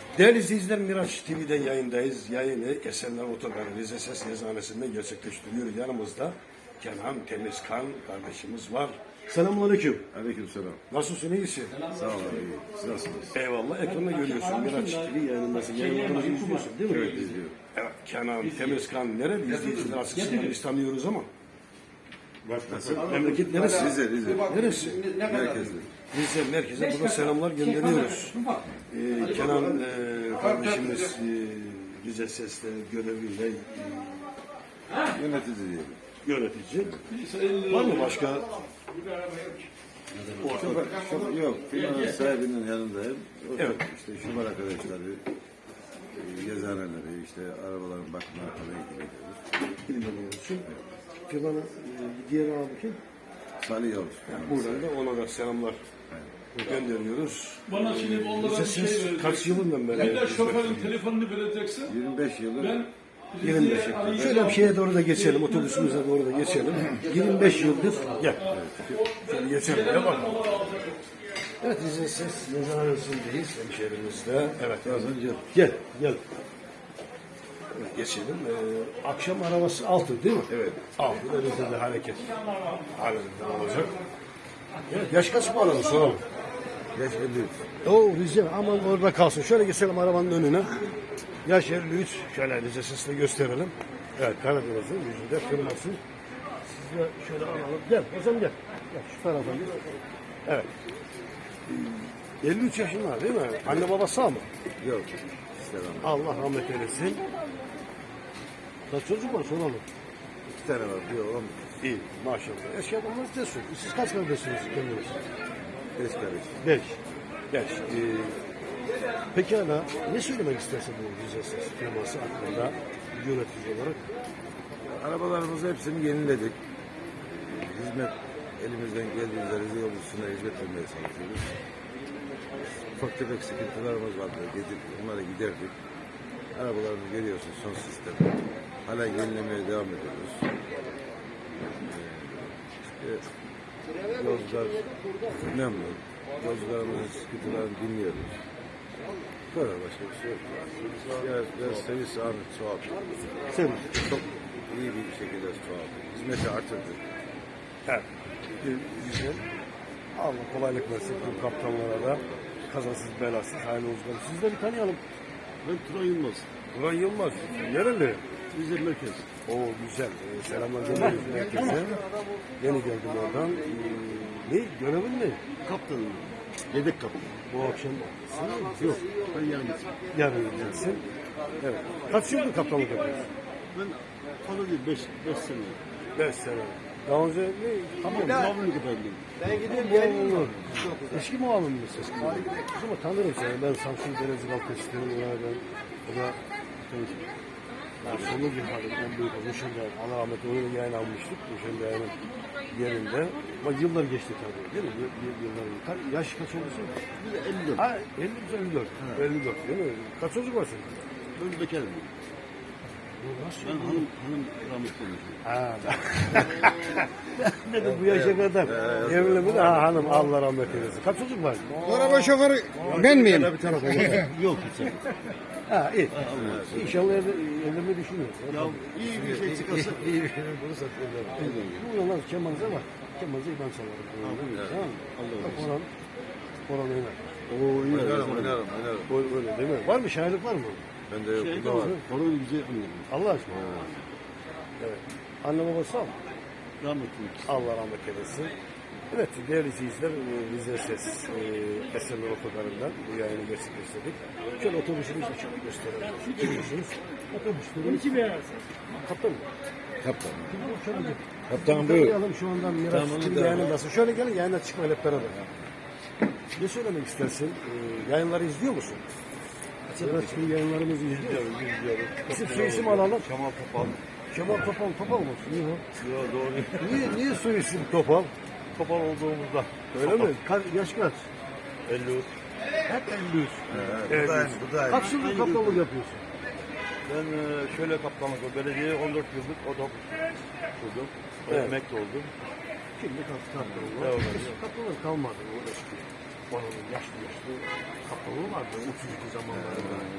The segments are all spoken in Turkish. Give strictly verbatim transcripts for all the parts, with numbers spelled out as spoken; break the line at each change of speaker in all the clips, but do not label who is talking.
Değerli izleyiciler, Miraç T V'den yayındayız. Yayını Esenler Otogarı Rize Ses Eczanesi'nde gerçekleştiriyoruz. Yanımızda Kenan Temizkan kardeşimiz var. Selamünaleyküm.
Aleykümselam.
Nasılsın, iyisin?
Sağ olun, iyi. Siz nasılsınız?
Eyvallah. Ekranda görüyorsun. Miraç T V yayınındasın. Yayınlarımızı izliyorsun değil mi?
Evet, izliyorum.
Evet. Kenan Temizkan nerede? İzleyiciler aslında biz tanıyoruz ama.
Nasıl?
Memleket neresi?
Rize, Rize.
Neresi?
Merkezli.
Rize merkeze burada selamlar gönderiyoruz. Ee, Kenan e, kardeşimiz e, Rize Ses'te görevliyle e,
Yönetici diyelim.
yönetici. Var mı başka?
Şoför, şoför, yok, firmanın sahibinin yanındayım. O
Evet.
işte şoför arkadaşları, e, gezaneleri, işte arabaların bakımına falan ilgileniyoruz.
İlgileniyorsun. Firmanın e, diğer abi kim?
Salih Yavuz.
Buradan da ona da selamlar gönderiyoruz.
Bana şimdi onlara
Rize
bir şey
Ses
vereceksin.
kaç yılından beri?
Bir de şoförün telefonunu vereceksin.
yirmi beş yıldır
Ben
yirmi beş yıl. Şöyle bir şeye doğru da geçelim, otobüsümüze doğru da geçelim. yirmi beş yıldır, gel. Şöyle geçelim, gel bakalım. Evet, Rize Ses Eczanesi'ndeyiz, hemşehrimizde. Evet,
Kazıncı.
gel, gel. Evet, geçelim. Ee, akşam arabası altı değil mi?
Evet.
Altı, önümüzde de hareket halinde olacak. Evet, yaş kaç bu arada soralım.
Yaş elli üç.
Oo, Rize, aman orada kalsın. Şöyle geçelim arabanın önüne. Yaş elli üç. Şöyle Rize Ses'le gösterelim. Evet, Karadeniz'in yüzünde firması. Siz de şöyle alalım. Gel, hocam gel. Gel, şu tarafa gel. Evet. elli üç yaşında değil mi? Anne baba sağ mı?
Yok. Selam.
Allah rahmet eylesin. Kaç çocuk var soralım.
İki tane var. Bir oğlan,
İyi, maşallah. Eski adamlar cesur. Siz kaç kardeşsiniz kendiniz?
beş kardeş.
Beş. Beş. Ee, pekala, ne söylemek istersin bu Rize Ses firması hakkında yönetici olarak?
Arabalarımızı hepsini yeniledik. Hizmet elimizden geldiğince Rize yolcusuna hizmet vermeye çalışıyoruz. Ufak tefek sıkıntılarımız vardı. Gidip onları giderdik. Arabalarımızı görüyorsun son sistem. Hala yenilemeye devam ediyoruz. Ee, işte, yolcular memnun. Yolcularımızın sıkıntılarını dinliyoruz. Bu kadar, başka bir şey yok. Biraz, biraz servis ağını çoğalttık.
Servis.
Çok iyi bir şekilde çoğalttık. Hizmeti artırdık.
Evet. Ee, Güzel. Allah kolaylık versin tüm kaptanlara da. Kazasız belasız hayırlı olsun. Siz de bir tanıyalım.
Ben Turan Yılmaz.
Turan Yılmaz. Nereli?
Rize Merkez.
Oo güzel. Ee, selamlar gönderiyoruz herkese. Yeni geldim oradan. Ee, ne? Görevin ne?
Kaptanım. Yedek kaptan.
Bu akşam sen yok.
Ben yalnız.
Yarın gideceksin. Evet. Kaç yıldır kaptanlık yapıyorsun?
Ben fazla değil. Beş, beş sene.
Beş sene. Daha önce ne?
Tamam. Muavinlik efendim.
Ben gideyim gelmiyor. Eski muavin mi ses? Ama tanırım seni. Ben Samsun Denizli Balkası'nın oradan. O da yani sonu bir halim. En büyük o Müşende. Allah rahmet eylesin. Yayın almıştık. Müşende yayının yerinde. Ama yıllar geçti tabii. Değil mi? Y- y- Yıllar. Ka yaş kaç olursun?
Bir de elli dört.
Ha elli, elli dört. elli dört değil mi? Kaç çocuk var senin?
Ben bekarım.
Bu nasıl?
Ben hanım, hanım rahmetli olmuşum.
Ha. Ne de bu yaşa kadar evli mi de ha, hanım Allah rahmet eylesin. Kaç çocuk var?
Araba şoförü ben miyim?
Bir tarafa
Yok hiç.
Ha iyi. İnşallah evde, evlenmeyi düşünüyoruz.
Ya iyi bir şey çıkarsa.
İyi bir şey bulursak evlenmeyi. Bu yollar kemanıza var. Kemanıza ben çalarım. Tamam mı? Bak Orhan. Orhan oynar.
Oo oynarım oynarım oynarım.
O- Öyle değil mi? Var mı? Şairlik var mı?
Bende yok.
Şey
Bu da var.
mi?
Korun güzel anladım.
Allah aşkına. Evet. Anne babası sağ mı?
Rahmetli ikisi.
Allah rahmet eylesin. Evet değerli izleyiciler, e, Rize Ses e, Esenler Otogarı'ndan bu yayını gerçekleştirdik. Şöyle otobüsümüzü açıp gösterelim. Görüyorsunuz. Otobüslerimiz. Kaptan mı?
Kaptan.
Şöyle gel.
Kaptan buyur.
Tanıyalım şu andan Miraç
Tamam,
T V
tamam.
yayınındasın. Şöyle gelin yayına çıkmayın hep beraber. Ne söylemek istersin? E, yayınları izliyor musun? Miraç T V yayınlarımızı izliyoruz. izliyoruz. İsim soy isim alalım.
Kemal Topal.
Kemal Topal, Topal mı? Niye o?
Yok doğru.
Niye, niye soy isim Topal?
Topal olduğumuzda.
Öyle mi? Ka yaş kaç?
elli üç.
Hep elli üç.
Evet,
elli üç.
bu da aynı, bu da aynı.
Kaç yıldır kaptanlık yapıyorsun?
Ben e, şöyle kaptanlık o belediyeye on dört yıllık otobüs kurdum.
Evet.
Emekli oldum.
Şimdi kaptan kaptanlık var.
Evet.
Eski kaptanlık kalmadı. O eski. Onun yaşlı yaşlı kaptanlığı vardı. otuz iki zamanlarında.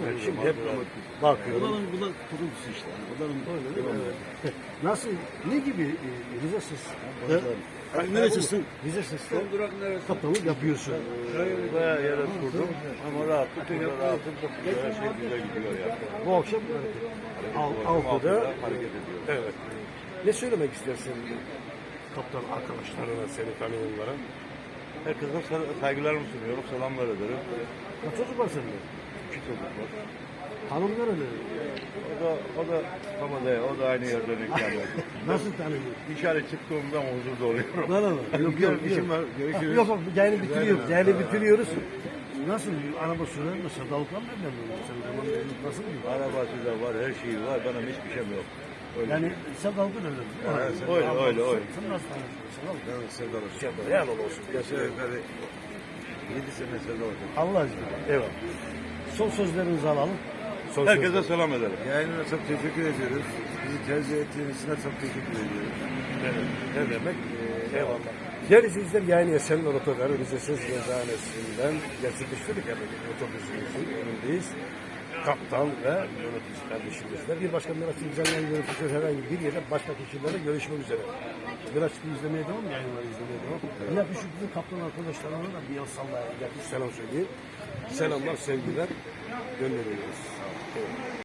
Evet, şimdi hep bakıyorum.
Odanın bu da kuruntusu işte. Odanın
Evet. Nasıl, ne gibi e, Rize Sıs'ta?
Neresisin?
Rize Sıs'ta kaptanlık yapıyorsun.
Bayağı yere kurdum ama rahatlık, burada rahatım çok güzel, her şey güzel gidiyor ya.
Bu akşam Al- Altı'da
hareket ediyor.
evet. Ne söylemek istersin kaptan arkadaşlarına, seni tanıyanlara?
Herkese sal- saygılarımı sunuyorum, selamlar ederim.
Kaç çocuk var sende?
İki çocuk var.
Hanım nerede?
O da, o da Kamada, o da aynı yerden ikamet.
Nasıl tanıyor?
Dışarı çıktığımda huzurda oluyorum.
Lan lan. Yok
Güzel
yok.
işim var,
Yok
görüşürüz.
yok. Yayını bitiriyoruz.
Güzel.
Yayını bitiriyoruz. Nasıl? Araba sürer mi? Sadalıklar nereden mi? Sen zaman nasıl mı?
Arabası da var, her şeyi var, benim hiçbir şeyim yok. Öyle.
Yani sadalıklar öyle mi?
Evet, öyle, öyle, öyle.
Sen nasıl tanıyorsun? Sadalık.
Ben Serdar Hoca.
Sadalık. Yani olsun.
Aşağı yukarı yedi sene Serdar Hoca.
Allah aşkına. Evet. Son sözlerinizi alalım. Son
Herkese
sözler.
selam ederim. Yayınına çok teşekkür ediyoruz. Bizi tercih ettiğiniz için de çok teşekkür ediyoruz.
Evet. Ne demek? Ee, eyvallah. Değerli izleyiciler, yayın Esenler Otogarı Rize Ses Yazıhanesi'nden gerçekleştirdik. Yani otobüsümüzün önündeyiz. Kaptan ve yönetici kardeşimizle. Bir başka Miraç İzlemeyen yöneticiler herhangi bir yerde başka kişilerle görüşmek üzere. Miraç izlemeye devam, yayınları izlemeye devam. Yine bir şu bizim kaptan arkadaşlarına da bir el sallaya gelmiş selam söyleyeyim. Selamlar, sevgiler gönderiyoruz. Evet.